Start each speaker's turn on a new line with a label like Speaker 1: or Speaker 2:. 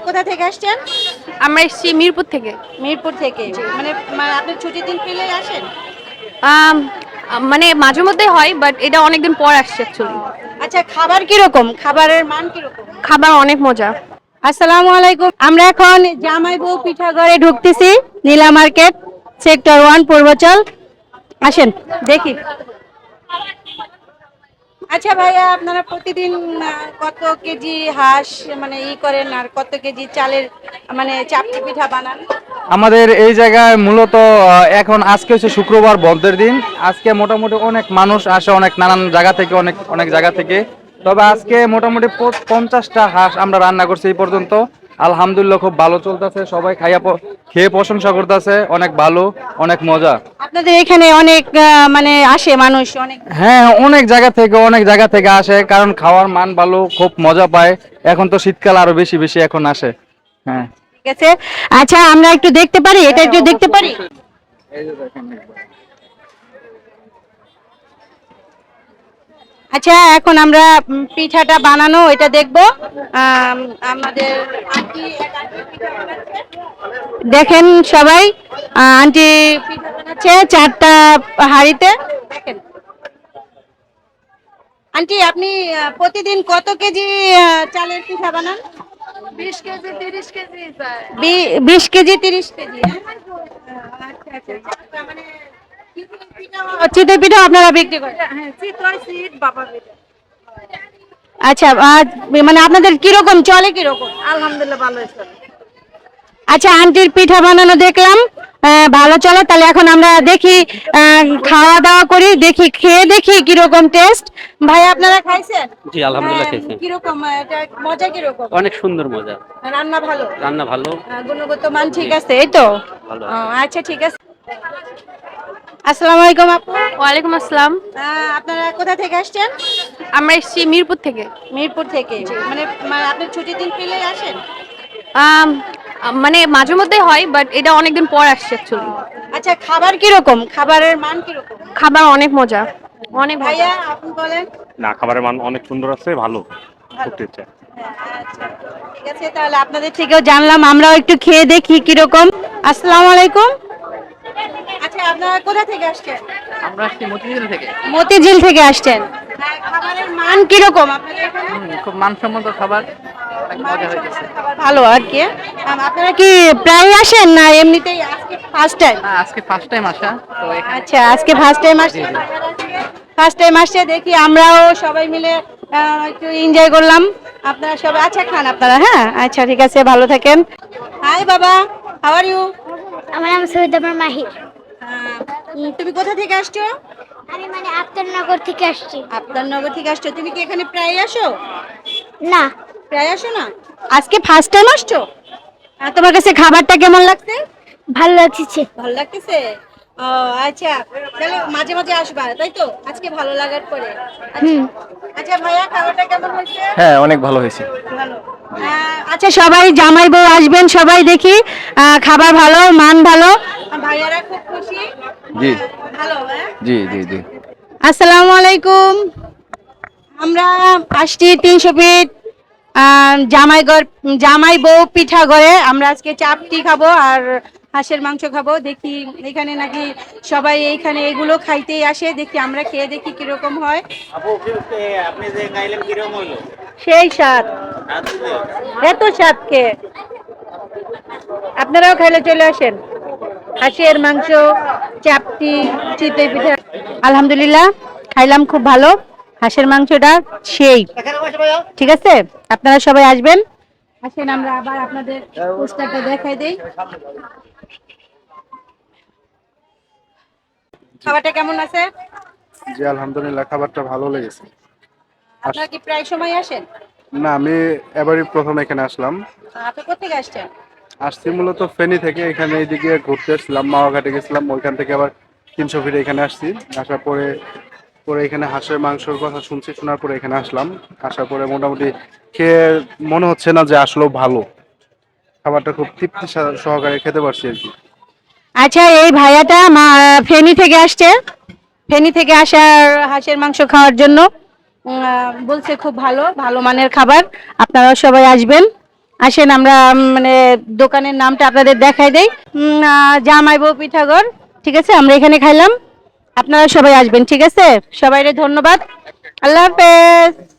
Speaker 1: কোথা থেকে আসছেন?
Speaker 2: আমরা এসেছি মিরপুর থেকে।
Speaker 1: মিরপুর থেকে। মানে আপনি ছুটির দিন পেলেই আসেন?
Speaker 2: আম, মানে মাঝে মধ্যে হয়, বাট এটা অনেকদিন পর আসছে অ্যাকচুয়ালি।
Speaker 1: আচ্ছা, খাবার কিরকম? খাবারের মান কিরকম?
Speaker 2: খাবার অনেক মজা।
Speaker 1: আসসালামু আলাইকুম। আমরা এখন জামাই বউ পিঠাঘরে ঢুকতেছি, নীলা মার্কেট, সেক্টর 1, পূর্বচল। আসেন দেখি। আচ্ছা ভাইয়া, আপনারা প্রতিদিন কত কেজি হাঁস মানে করেন, আর কত কেজি চালের মানে চাপটি পিঠা বানান?
Speaker 3: আমাদের এই জায়গায় মূলত এখন আজকে হচ্ছে শুক্রবার বন্ধের দিন। আজকে মোটামুটি অনেক মানুষ আসে, অনেক নানান জায়গা থেকে, অনেক অনেক জায়গা থেকে। তবে আজকে মোটামুটি 50টা হাঁস আমরা রান্না করছি এই পর্যন্ত। আলহামদুলিল্লাহ খুব ভালো চলতেছে, সবাই খেয়ে প্রশংসা করতেছে, অনেক ভালো, অনেক মজা।
Speaker 1: আপনাদের এখানে অনেক মানে আসে মানুষ অনেক?
Speaker 3: হ্যাঁ, অনেক জায়গা থেকে আসে, কারণ খাওয়ার মান ভালো, খুব মজা পায়। এখন তো শীতকাল, আরো বেশি বেশি এখন আসে। হ্যাঁ,
Speaker 1: ঠিক আছে। আচ্ছা, আমরা একটু দেখতে পারি? এটা একটু দেখতে পারি? আচ্ছা, এখন আমরা পিঠাটা বানানো এটা দেখব। আমাদের আন্টি পিঠা বানাচ্ছে। দেখেন সবাই, আন্টি পিঠা বানাচ্ছে 4টা হাঁড়িতে। দেখেন আন্টি, আপনি প্রতিদিন কত কেজি চালের পিঠা বানান?
Speaker 2: 20 কেজি 30 কেজি।
Speaker 1: 20 KG 30 KG. আচ্ছা আচ্ছা আচ্ছা। মানে চিতই পিঠা আপনারা বিক্রি করেন?
Speaker 2: হ্যাঁ, চিতই সিট বাবা পিঠা।
Speaker 1: আচ্ছা, মানে আপনাদের কিরকম চলে, কিরকম?
Speaker 2: আলহামদুলিল্লাহ ভালো হয়েছে।
Speaker 1: আচ্ছা, আন্টির পিঠা বানানো দেখলাম, ভালো চলে। তাহলে এখন আমরা দেখি, খাওয়া দাওয়া করি, দেখি, খেয়ে দেখি কিরকম টেস্ট। ভাই, আপনারা খাইছেন?
Speaker 4: জি আলহামদুলিল্লাহ খেয়েছি।
Speaker 1: কিরকম এটা মজা, কিরকম?
Speaker 4: অনেক সুন্দর মজা।
Speaker 1: রান্না ভালো?
Speaker 4: রান্না ভালো।
Speaker 1: গুণগত মান ঠিক আছে, এই তো?
Speaker 4: ভালো।
Speaker 1: আচ্ছা, ঠিক আছে। আসসালামু আলাইকুম আপু।
Speaker 2: ওয়ালাইকুম আসসালাম।
Speaker 1: আপনারা কোথা থেকে আসছেন?
Speaker 2: আমরা এসেছি মিরপুর থেকে।
Speaker 1: মিরপুর থেকে। মানে আপনি ছুটির দিন পেলেই আসেন?
Speaker 2: আম, মানে মাঝে মধ্যে হয়, বাট এটা অনেকদিন পর আসছে অ্যাকচুয়ালি।
Speaker 1: আচ্ছা, খাবার কিরকম? খাবারের মান কিরকম?
Speaker 2: খাবার অনেক মজা, অনেক মজা।
Speaker 1: ভাইয়া, আপনি বলেন।
Speaker 5: না, খাবারের মান অনেক সুন্দর আছে, ভালো করতে চাই।
Speaker 1: আচ্ছা, ঠিক আছে। তাহলে আপনাদের থেকেও জানলাম, আমরাও একটু খেয়ে দেখি কিরকম। আসসালামু আলাইকুম। আচ্ছা, আপনারা কোথা থেকে আসছেন?
Speaker 6: আমরা আসছি মতিঝিল থেকে।
Speaker 1: মতিঝিল থেকে আসছেন। খাবারের মান কিরকম আপনাদের এখানে?
Speaker 6: খুব মানসম্মত খাবার, অনেক মজা হয়েছে।
Speaker 1: খাবার ভালো আর কি। আপনারা কি প্রায় আসেন না এমনিতেই আজকে ফার্স্ট টাইম?
Speaker 6: না, আজকে ফার্স্ট টাইম আসা তো এখানে।
Speaker 1: আচ্ছা, আজকে ফার্স্ট টাইম আসছে। ফার্স্ট টাইম আসছে, দেখি আমরাও সবাই মিলে একটু এনজয় করলাম। আপনারা সবাই আচ্ছা খান আপনারা। হ্যাঁ, আচ্ছা, ঠিক আছে, ভালো থাকেন। হাই বাবা, হাউ আর ইউ?
Speaker 7: আমার নাম সৈয়দ আমার মাহির।
Speaker 1: তুমি কোথা থেকে আসছো?
Speaker 7: আমি মানে আফতারনগর থেকে আসছি।
Speaker 1: আপনারনগর থেকে আসছো। তুমি কি এখানে প্রায় আসো?
Speaker 7: না,
Speaker 1: প্রায় আসো না, আজকে ফার্স্ট টাইম আসছো? তোমার কাছে খাবারটা কেমন লাগছে?
Speaker 7: ভালো লাগছে।
Speaker 1: ভালো লাগতেছে? ও আচ্ছা, তাহলে মাঝে মাঝে আসবা, তাই তো? আজকে ভালো লাগার পরে। আচ্ছা আচ্ছা ভাইয়া, খাবারটা কেমন হয়েছে?
Speaker 3: হ্যাঁ, অনেক ভালো হয়েছে।
Speaker 1: ভালো। আচ্ছা, সবাই জামাই বউ আসবেন, সবাই দেখি খাবার ভালো, মান ভালো, ভাইয়ারা খুব খুশি।
Speaker 3: জি
Speaker 1: ভালো।
Speaker 3: জি জি জি।
Speaker 1: আসসালামু আলাইকুম। আমরা আসছি 300 ফিট জামাই বউ পিঠা ঘরে। আমরা আজকে চাপটি খাবো আর হাঁসের মাংস খাবো। দেখি এখানে নাকি সবাই এইখানে এগুলো খাইতেই আসে। দেখি, আমরা খেয়ে দেখি কিরকম হয়।
Speaker 4: আপনি যে খাইলেন কিরকম হলো?
Speaker 1: সেই স্বাদ, এত স্বাদ খেয়ে আপনারাও খাইলে চলে আসেন। হাঁসের মাংস, চাপটি, চিতই পিঠা, আলহামদুলিল্লাহ খাইলাম, খুব ভালো। হাঁসের মাংসটা সেই। ঠিক আছে, আপনারা সবাই আসবেন। আসেন, আমরা আবার আপনাদের পোস্টারটা দেখাই দেই। খাবারটা কেমন আছে?
Speaker 8: জি আলহামদুলিল্লাহ, খাবারটা ভালো লেগেছে।
Speaker 1: আপনারা কি প্রায় সময় আসেন?
Speaker 8: না, আমি এবারই প্রথম এখানে আসলাম।
Speaker 1: আপনি কোথেকে আসছেন?
Speaker 8: আসছি মূলত ফেনী থেকে। এখানে এইদিকে ঘুরতে এসেছিলাম, মাওয়াঘাটে গেছিলাম, ওইখান থেকে আবার 300 ফিটে এখানে আসছি। আসার পরে পরে এখানে হাঁসের মাংসের কথা শুনছি, শোনার পরে এখানে আসলাম। আসার পরে মোটামুটি খেয়ে মনে হচ্ছে না যে আসলেও ভালো। খাবারটা খুব তৃপ্তি সহকারে খেতে পারছি আর কি।
Speaker 1: আচ্ছা, এই ভাইয়াটা ফেনী থেকে আসছে। ফেনী থেকে আসার হাঁসের মাংস খাওয়ার জন্য বলছে খুব ভালো, ভালো মানের খাবার। আপনারা সবাই আসবেন। আসেন আমরা মানে দোকানের নামটা আপনাদের দেখাই দেই, জামাই বউ পিঠাঘর। ঠিক আছে, আমরা এখানে খাইলাম, আপনারা সবাই আসবেন। ঠিক আছে, সবাইকে ধন্যবাদ, আল্লাহ হাফেজ।